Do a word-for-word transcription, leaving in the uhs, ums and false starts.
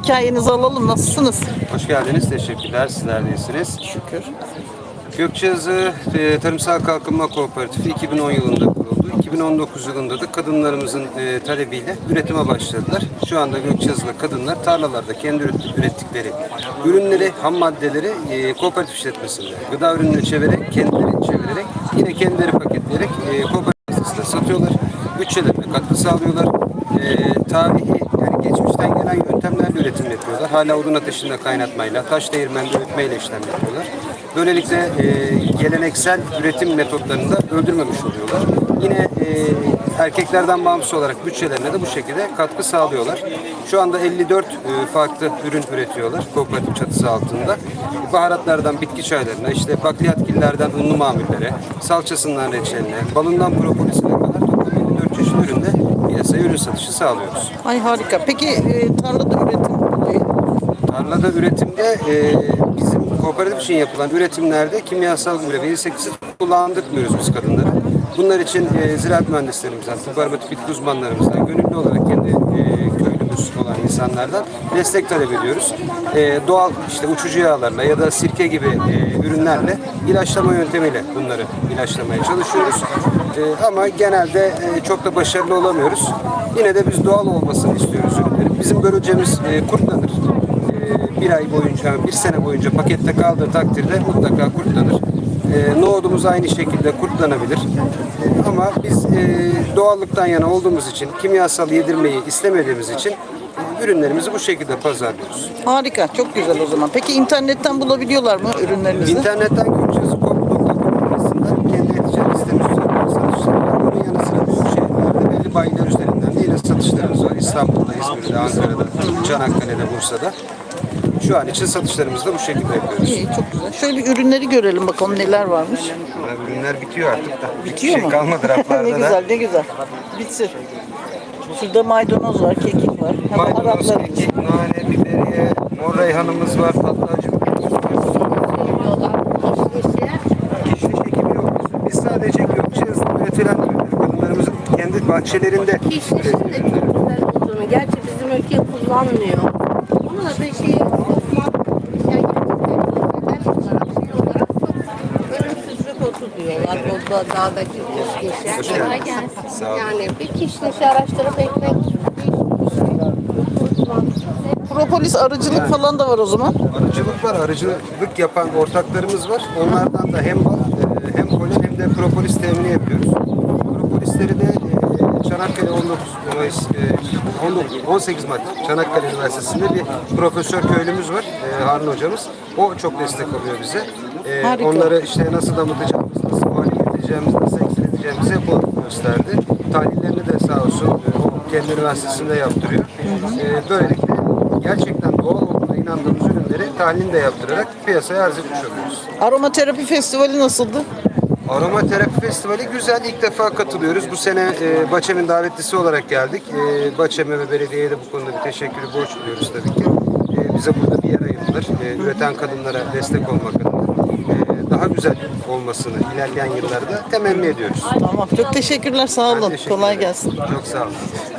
hikayenizi alalım. Nasılsınız? Hoş geldiniz. Teşekkürler. Sizler de iyisiniz. Şükür. Gökçeazı e, Tarımsal Kalkınma Kooperatifi iki bin on yılında kuruldu. iki bin on dokuz yılında da kadınlarımızın e, talebiyle üretime başladılar. Şu anda Gökçeazı'da kadınlar tarlalarda kendi üret- ürettikleri ürünleri, ham maddeleri e, kooperatif işletmesinde gıda ürününe çevirerek, kendileri çevirerek, yine kendileri paketleyerek e, kooperatifte satıyorlar. Bütçelerine katkı sağlıyorlar. E, tarihi, yani geçmişten gelen yöntemlerle üretim yapıyorlar. Hala odun ateşinde kaynatmayla, taş değirmende öğütmeyle işlem yapıyorlar. Böylelikle e, geleneksel üretim metotlarını da öldürmemiş oluyorlar. Yine e, erkeklerden bağımsız olarak bütçelerine de bu şekilde katkı sağlıyorlar. Şu anda elli dört e, farklı ürün üretiyorlar kooperatif çatısı altında. Baharatlardan bitki çaylarına, işte bakliyatgillerden unlu mamullere, salçasından reçeline, balından propolisine kadar toplam elli dört çeşit üründe piyasaya ürün satışı sağlıyoruz. Ay harika. Peki e, tarlada üretim e, Tarlada üretimde e, bizim kooperatif için yapılan üretimlerde kimyasal gübre ve insektisit kullandırmıyoruz biz kadınlara. Bunlar için e, ziraat mühendislerimizden, tıp aromatik bitki uzmanlarımızdan, gönüllü olarak kendi e, köylümüz olan insanlardan destek talep ediyoruz. E, doğal işte uçucu yağlarla ya da sirke gibi e, ürünlerle ilaçlama yöntemiyle bunları ilaçlamaya çalışıyoruz. E, ama genelde e, çok da başarılı olamıyoruz. Yine de biz doğal olmasını istiyoruz ürünlerin. Bizim börülcemiz e, kurtlanır. Bir ay boyunca, bir sene boyunca pakette kaldığı takdirde mutlaka kurtlanır. E, nohudumuz aynı şekilde kurtlanabilir. E, ama biz e, doğallıktan yana olduğumuz için, kimyasal yedirmeyi istemediğimiz için e, ürünlerimizi bu şekilde pazarlıyoruz. harika. Çok güzel o zaman. Peki internetten bulabiliyorlar mı ürünlerinizi? İnternetten gökçeazı nokta com adresinde kendi e-ticaret sitemiz üzerinden satışlar var. Bunun yanı sıra büyük şehirlerde belli bayiler üzerinden de yine satışlarımız var. İstanbul'da, İzmir'de, Ankara'da, Çanakkale'de, Bursa'da. Şu an için satışlarımızı da bu şekilde yapıyoruz. İyi, çok güzel. Şöyle bir ürünleri görelim bakalım neler varmış. Ya, ürünler bitiyor artık da. Bitiyor Bir şey mu? kalmadı raflarda ne da. güzel, ne güzel. Bitsin. Şurada maydanoz var, kekik var. Hem Maydanoz, Araplar için. kekik, nane, biberiye, mor reyhanımız var, tatlı acı biberimiz var. Kişniş ekimi yok. Biz sadece Gökçeazı'da üretilen ürünleri, kadınlarımızın kendi bahçelerinde Kişnişin de çok güzel olduğunu, gerçi bizim ülke kullanmıyor. Onu da bir şey Osman, yani gerçekten olarak şey olarak çok ölümsüzlük otu diyorlar. O da dağdaki kişnişe. Kolay gelsin. Sağ olun. Yani bir kişnişi araştırıp ekmek Propolis arıcılık falan da var o zaman. Arıcılık var, arıcılık yapan ortaklarımız var. Onlardan da hem bal, e, hem polen hem de propolis temini yapıyoruz. Propolisleri de e, Çanakkale on dokuz Mayıs, e, on dokuz, on sekiz Mart Çanakkale Üniversitesi'nde bir profesör köylümüz var, e, Harun hocamız. O çok destek oluyor bize. E, Harika. Onları işte nasıl damıtacağımız, nasıl hale getireceğimiz, nasıl eksilteceğimizi hep o gösterdi. Tahlillerini de sağ olsun e, o kendi üniversitesinde yaptırıyor. E, böylelikle gerçekten doğal olduğuna inandığımız ürünleri tahlilini de yaptırarak piyasaya arz etmiş oluyoruz. Aromaterapi festivali nasıldı? Aromaterapi Festivali güzel. İlk defa katılıyoruz. Bu sene e, Baçem'in davetlisi olarak geldik. E, Baçem'e ve belediyeye de bu konuda bir teşekkürü borç duyuyoruz tabii ki. E, bize burada bir yer ayırdılar. E, üreten kadınlara destek olmak adına. E, daha güzel olmasını ilerleyen yıllarda temenni ediyoruz. Tamam. Çok teşekkürler. Sağ Ben olun. teşekkür Kolay ederim. gelsin. Çok sağ olun.